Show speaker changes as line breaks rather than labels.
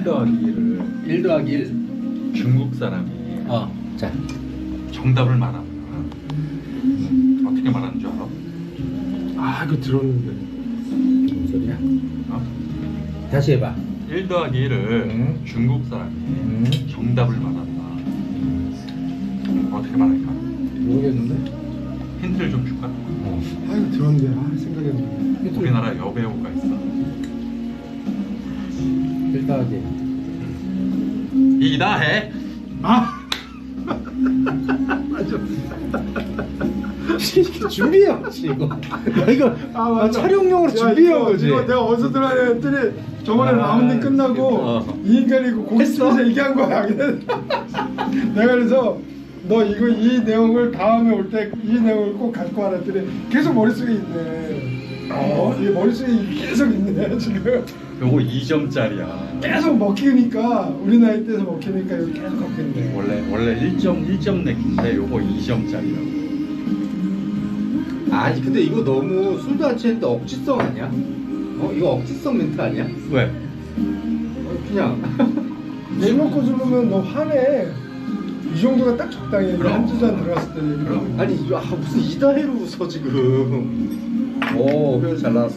더하기 1을
1 더하기 1.
중국 사람이
자.
정답을 말하면 어떻게 말하는 줄 알아?
아 이거 들었는데.
무슨 소리야?
어?
다시 해봐.
1 더하기 1을 중국 사람이 정답을 말한다. 어떻게 말할까?
모르겠는데?
힌트를 좀 줄까?
아 이거 들었는데 생각이 안 나.
우리나라 여배우가 있어.
1 더하기
이다해.
아
준비해왔지 이거. 나 이거
맞아.
촬영용으로
야,
준비해온 거지.
이거 내가 어디서 들어야 했더니 저번에 라운딩 끝나고 이 인간이 이거 고깃집에서 얘기한 거야. 내가 그래서 너 이거 이 내용을 다음에 올 때 이 내용을 꼭 갖고 와라 했더니 계속 머릿속에 있네. 이게 머릿속에 계속 있네 지금.
요거 2점짜리야.
계속 먹히니까 우리 나이 때에서 먹히니까 이거 계속 먹히네.
원래 1점 내기인데 요거 2점짜리라고.
아니 근데 이거 너무 술도 안 취했는데 억지성 아니야? 이거 억지성 멘트 아니야?
왜?
그냥
술 먹고 죽으면 너 화내. 이 정도가 딱 적당해.
그럼.
한두 잔 들어갔을 때.
그럼.
아니 무슨 이다해로 웃어 지금. 오 표현 잘 나왔어.